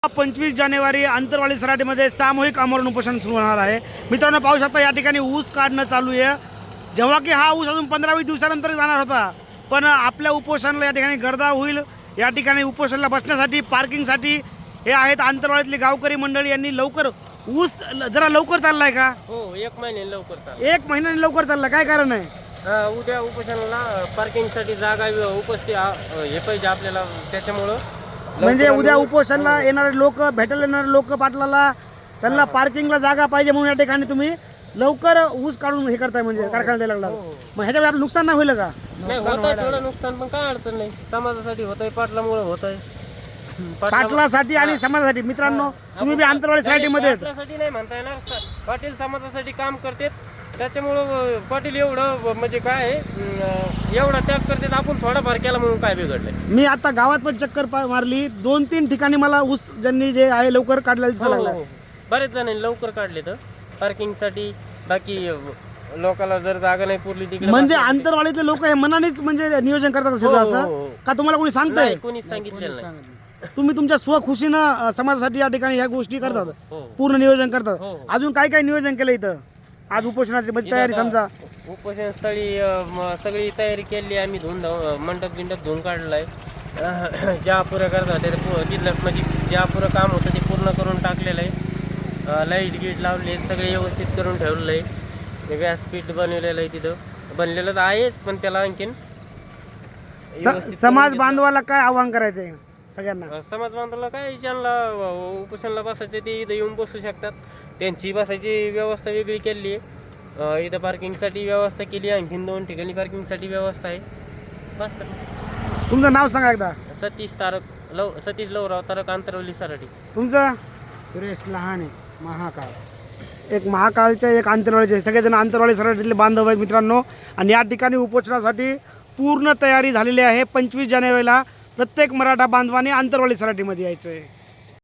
25 जानेवारी आंतरवाली सराटीमध्ये सामूहिक आमरण उपोषण सुरू होणार आहे। मित्रांनो पाहू शकता या ठिकाणी ऊस काढणं चालू आहे। जेव्हा की हा ऊस अजून 15-20 दिवसानंतर जाणार होता, पण आपल्या उपोषणाला या ठिकाणी गर्दा होईल। या ठिकाणी उपोषणाला बसण्यासाठी पार्किंगसाठी हे आहेत आंतरवालीतले गावकरी मंडळी। यांनी लवकर ऊस जरा लवकर चाललाय का? हो, 1 महिन्याने लवकर चालू। 1 महिन्याने लवकर चालला, काय कारण आहे? उद्या उपोषणाला पार्किंगसाठी जागा उपस्थित हे पाहिजे आपल्याला, त्याच्यामुळं म्हणजे उद्या उपोषणाला येणारे लोक, भेटायला येणारे लोक पाटलाला, त्यांना पार्किंगला जागा पाहिजे म्हणून या ठिकाणी तुम्ही लवकर ऊस काढून हे करताय, म्हणजे कारखान्यात द्यायला लागला। मग ह्याच्यामुळे आपलं नुकसान नाही होईल का? नाही होत आहे, थोडं नुकसान, पण काय अडचण नाही। समाजासाठी होत आहे, पाटलामुळे होत आहे, पाटलासाठी आणि समाजासाठी। मित्रांनो तुम्ही बी आंतरवाली सोसायटीमध्ये आहेत। पाटलासाठी नाही म्हणता येणार, पाटील समाजासाठी काम करतात, त्याच्यामुळं पाटील एवढं म्हणजे काय आहे, एवढा त्याग करतात, आपण थोडाफार केला म्हणून काय बिघडलंय। मी आता गावात पण चक्कर मारली, 2-3 ठिकाणी मला ऊस ज्यांनी जे आहे लवकर काढलेलं दिसायला लागलं। बरेच जणांनी लवकर काढले तर पार्किंगसाठी, बाकी लोकांना जर जागा नाही पुरली तिकडे म्हणजे आंतरवालीतले लोक हे मनानेच म्हणजे नियोजन करतात असेल असं का? तुम्हाला कोणी सांगतंय? नाही, कोणीच सांगितलेलं नाही। तुम्ही तुमच्या स्वखुशीनं समाजासाठी या ठिकाणी ह्या गोष्टी करतात, हो. पूर्ण नियोजन करतात। हो. अजून काय काय नियोजन केलं इथं आज उपोषणाची तयारी? समजा उपोषण स्थळी सगळी तयारी केली आम्ही, मंडप बिंडप धुवून काढलाय। ज्या पुरं करतात तिथलं म्हणजे ज्या पुरं काम होतं ते पूर्ण करून टाकलेलं आहे। लाईट गीट लावले, सगळे व्यवस्थित करून ठेवलेलं आहे। व्यासपीठ बनवलेलं आहे, तिथं बनलेलं तर आहेच, पण त्याला आणखीन समाज बांधवाला काय आव्हान करायचंय सगळ्यांना? समाज बांधवाला काय, ज्यांना उपोषणाला बसायचे ते इथं येऊन बसू शकतात। त्यांची बसायची व्यवस्था वेगळी केली आहे, इथं पार्किंगसाठी व्यवस्था केली आहे, आणखीन 2 ठिकाणी पार्किंगसाठी व्यवस्था आहे। बस तर। तुमचं नाव सांगा एकदा? सतीश लवराव तारक, आंतरवली सराटी। तुमचं? सुरेश लहाने, महाकाळ। एक महाकाळचे, एक आंतरवालीचे, सगळेजण आंतरवाली सराटीतले बांधव आहेत मित्रांनो। आणि या ठिकाणी उपोषणासाठी पूर्ण तयारी झालेली आहे। 25 जानेवारीला प्रत्येक मराठा बांधवाने आंतरवाली सराटीमध्ये यायचं आहे।